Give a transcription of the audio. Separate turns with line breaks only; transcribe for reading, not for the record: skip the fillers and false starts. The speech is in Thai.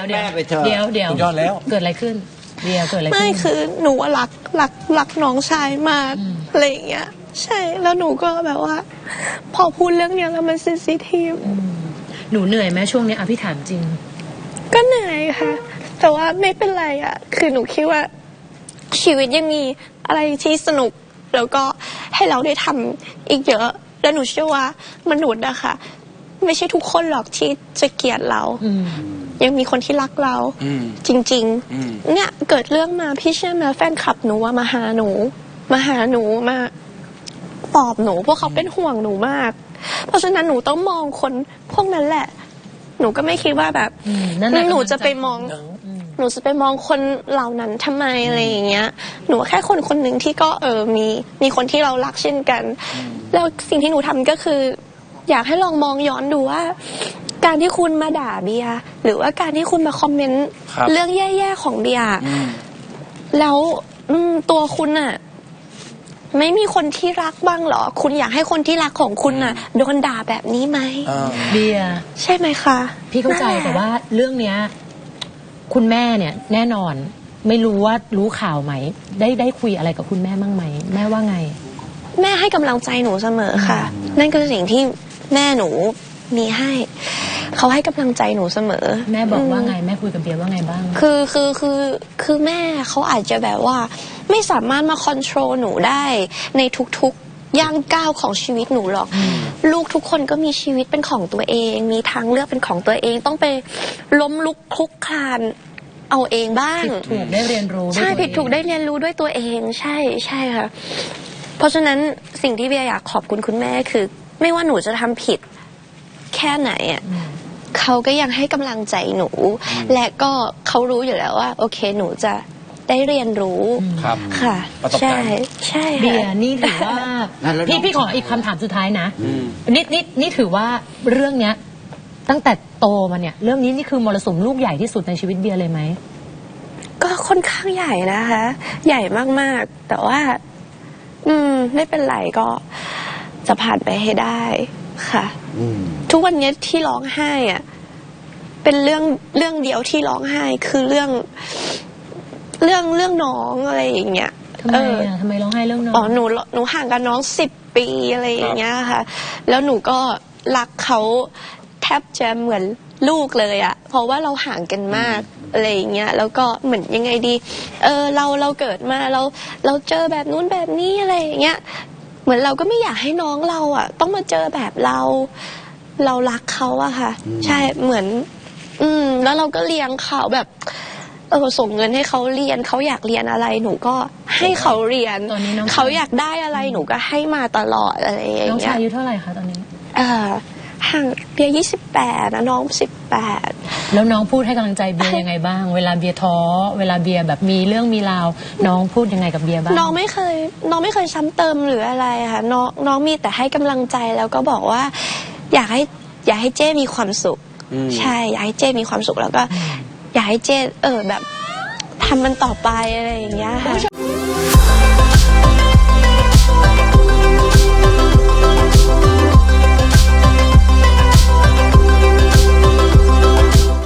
แม่ไปเถอะ
เดี๋ยว
สุดยอดแล้ว
เกิดอะไรขึ้นเบียร์เกิดอะไรขึ้น
ไม่คือหนูว่ารักน้องชายมากอะไรอย่างเงี้ยใช่แล้วหนูก็แบบว่า พอพูดเรื่องเนี้ยแล้วมันเซนซิทีฟ
หนูเหนื่อยไหมช่วงนี้พี่ถามจริง
ก็เหนื่อยค่ะ แต่ว่าไม่เป็นไรอ่ะคือหนูคิดว่าชีวิตยังมีอะไรที่สนุกแล้วก็ให้เราได้ทำอีกเยอะแล้วหนูเชื่อว่ามนุษย์อะค่ะไม่ใช่ทุกคนหรอกที่จะเกลียดเรายังมีคนที่รักเราจริงๆเนี่ยเกิดเรื่องมาพี่เชื่อไหมแฟนคลับหนูว่ามาหาหนูมาปลอบหนูพวกเขาเป็นห่วงหนูมากเพราะฉะนั้นหนูต้องมองคนพวกนั้นแหละหนูก็ไม่คิดว่าแบบหนูจะไปมองคนเหล่านั้นทำไมอะไรอย่างเงี้ยหนูแค่คนหนึ่งที่ก็มีคนที่เรารักเช่นกันแล้วสิ่งที่หนูทำก็คืออยากให้ลองมองย้อนดูว่าการที่คุณมาด่าเบียร์หรือว่าการที่คุณมาคอมเมนต์เรื่องแย่ๆของเบียร์แล้วตัวคุณอะไม่มีคนที่รักบ้างเหรอคุณอยากให้คนที่รักของคุณน่ะโดนด่าแบบนี้ไหม
เบียร์
ใช่ไหมคะ
พี่เข้าใจแต่ว่าเรื่องเนี้ยคุณแม่เนี่ยแน่นอนไม่รู้ว่ารู้ข่าวไหมได้คุยอะไรกับคุณแม่บ้างไหมแม่ว่าไง
แม่ให้กำลังใจหนูเสมอค่ะนั่นคือสิ่งที่แม่หนูมีให้เขาให้กำลังใจหนูเสมอ
แม่บอกว่าไงแม่คุยกับเบียร์ว่าไงบ้าง
คือแม่เขาอาจจะแบบว่าไม่สามารถมาคอนโทรลหนูได้ในทุกๆย่างก้าวของชีวิตหนูหรอกลูกทุกคนก็มีชีวิตเป็นของตัวเองมีทางเลือกเป็นของตัวเองต้องไปล้มลุกคลุกคลานเอาเองบ้าง
ผิดถูกได้เรียนรู้
ใช่ผิดถูกได้เรียนรู้ด้วยตัวเองใช่ค่ะเพราะฉะนั้นสิ่งที่เบียร์อยากขอบคุณคุณแม่คือไม่ว่าหนูจะทำผิดแค่ไหนอ่ะเขาก็ยังให้กำลังใจหนูและก็เขารู้อยู่แล้วว่าโอเคหนูจะได้เรียนรู้ค่ะใช่
เบียร์นี่ถือว่าพี่ขออีกคำถามสุดท้ายนะนี่ถือว่าเรื่องเนี้ยตั้งแต่โตมาเนี่ยเรื่องนี้นี่คือมรสุมลูกใหญ่ที่สุดในชีวิตเบียร์เลยไหม
ก็ค่อนข้างใหญ่นะคะใหญ่มากๆแต่ว่าไม่เป็นไรก็จะผ่านไปให้ได้ค่ะทุกวันนี้ที่ร้องไห้อ่ะเป็นเรื่องเดียวที่ร้องไห้คือเรื่องน้องอะไรอย่างเงี้ย
ทำไมร้องไห้เรื่องน้อง
หนูห่างกับน้อง10 ปีอะไรอย่างเงี้ยค่ะแล้วหนูก็รักเขาแทบจะเหมือนลูกเลยอ่ะเพราะว่าเราห่างกันมากอะไรอย่างเงี้ยแล้วก็เหมือนยังไงดีเราเกิดมาเราเจอแบบนู้นแบบนี้อะไรอย่างเงี้ยเหมือนเราก็ไม่อยากให้น้องเราอ่ะต้องมาเจอแบบเรารักเขาอะค่ะใช่เหมือนแล้วเราก็เลี้ยงเขาแบบส่งเงินให้เขาเรียนเขาอยากเรียนอะไรหนูก็ให้เขาเรียนเขาอยากได้อะไรหนูก็ให้มาตลอดอะไรอย่างเงี้ย
น้องชายอายุเท่าไหร่คะตอนนี้
ห่างเบียร์28นะน้อง18
แล้วน้องพูดให้กำลังใจเบียร์ยังไงบ้างเวลาเบียร์ท้อเวลาเบียร์แบบมีเรื่องมีราวน้องพูดยังไงกับเบียร์บ้าง
น้องไม่เคยซ้ำเติมหรืออะไรค่ะน้องมีแต่ให้กำลังใจแล้วก็บอกว่าอยากให้เจ้มีความสุขใช่อยากให้เจ้มีความสุขแล้วก็อยากให้เจ้แบบทำมันต่อไปอะไรอย่างเงี้ยค่ะ